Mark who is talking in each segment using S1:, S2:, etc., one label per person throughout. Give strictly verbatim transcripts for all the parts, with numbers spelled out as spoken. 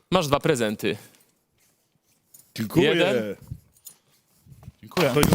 S1: Masz dwa prezenty.
S2: Dziękuję.
S1: Jeden.
S3: Dziękuję.
S2: To już...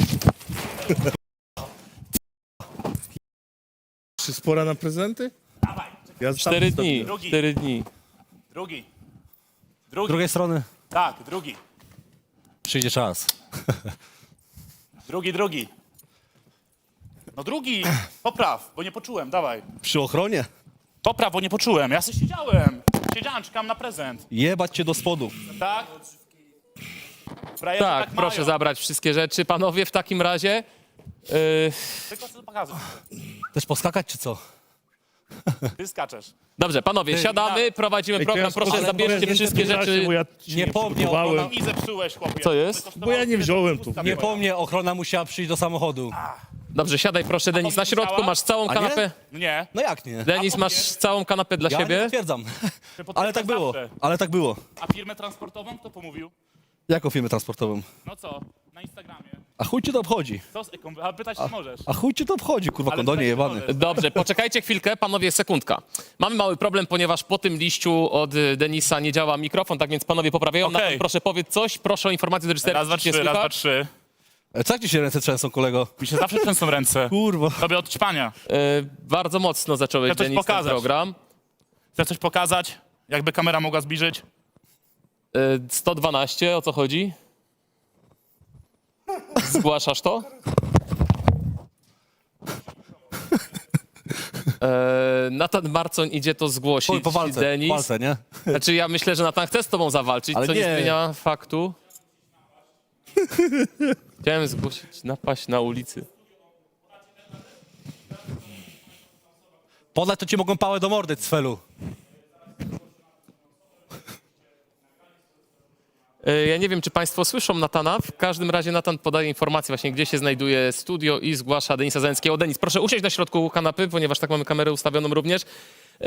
S2: Czy spora na prezenty?
S3: Dawaj.
S2: Ja
S1: Cztery
S2: sam
S1: dni.
S3: Drugi.
S1: Cztery dni.
S3: Drugi.
S4: Z
S3: Drugi.
S4: drugiej strony
S3: Tak, drugi.
S4: przyjdzie czas.
S3: Drugi, drugi. No drugi. Popraw, bo nie poczułem, dawaj.
S4: Przy ochronie
S3: Popraw, bo nie poczułem. Ja sobie siedziałem. Siedziałem, czekam na prezent.
S4: jebać cię do spodu.
S3: Tak? Frajerzy
S1: Tak,
S3: tak
S1: proszę
S3: mają.
S1: zabrać wszystkie rzeczy. Panowie, w takim razie... Yy,
S3: Tylko chcę pokazać.
S4: Też poskakać czy co?
S3: Ty skaczesz.
S1: dobrze, panowie, siadamy, prowadzimy
S2: Ej, to
S1: program.
S2: ja
S1: Proszę,
S2: spoko-
S1: zabierzcie
S2: prezenty
S1: wszystkie
S2: w czasie,
S1: rzeczy.
S2: Bo ja się
S4: Nie
S2: nie
S4: pomnę,
S2: przygotowałem.
S4: ona-
S3: I zepsułeś, chłopie.
S1: Co jest?
S3: To kosztowało
S2: Bo ja nie wziąłem tu.
S3: pusta
S4: Nie
S3: była.
S4: po mnie, ochrona musiała przyjść do samochodu.
S1: Dobrze, siadaj proszę, Denis. Na środku
S3: powiedziała?
S1: masz całą
S4: A nie?
S1: kanapę.
S3: Nie.
S4: No jak nie?
S1: Denis, masz całą kanapę dla
S4: Ja nie
S1: siebie.
S4: potwierdzam.
S3: Ty
S4: Ale tak było,
S3: zawsze.
S4: ale tak było.
S3: A firmę transportową kto pomówił?
S4: Jaką firmę transportową?
S3: No co? Na Instagramie.
S4: A chuj cię to obchodzi?
S3: Co z eką? Ale pytać nie możesz.
S4: A chuj cię to obchodzi, kurwa,
S3: Ale
S4: kondonie
S3: pytać nie
S4: jebany.
S3: możesz.
S1: Dobrze, poczekajcie chwilkę, panowie, sekundka. Mamy mały problem, ponieważ po tym liściu od y, Denisa nie działa mikrofon, tak więc panowie poprawiają.
S3: Okej.
S1: Nathan, proszę powiedz coś, proszę o informację do reżysera.
S3: Raz, dwa,
S1: czy cię
S3: trzy, raz, dwa,
S1: słychać.
S3: trzy.
S4: E, Co jak ci się ręce trzęsą, kolego?
S3: Mi się zawsze trzęsą ręce.
S4: Kurwa.
S3: Tobie od ćpania.
S1: Y, bardzo mocno zacząłeś,
S3: Chcę coś
S1: Denis, ten
S3: pokazać.
S1: program.
S3: Chcę coś pokazać? Jakby kamera mogła zbliżyć?
S1: Y, sto dwanaście, o co chodzi? Zgłaszasz to? E, Nathan Marcoń idzie to
S4: Po,
S1: zgłosić.
S4: po walce,
S1: Denis.
S4: po walce, nie?
S1: Znaczy ja myślę, że Nathan chce z tobą zawalczyć,
S4: Ale
S1: co nie
S4: nie.
S1: zmienia faktu. Chciałem zgłosić napaść na ulicy.
S4: Podać to ci mogą pałę do mordy, cfelu.
S1: E, Ja nie wiem, czy państwo słyszą Natana. W każdym razie Natan podaje informację właśnie, gdzie się znajduje studio i zgłasza Denisa Załęckiego. Denis, proszę usiąść na środku kanapy, ponieważ tak mamy kamerę ustawioną również.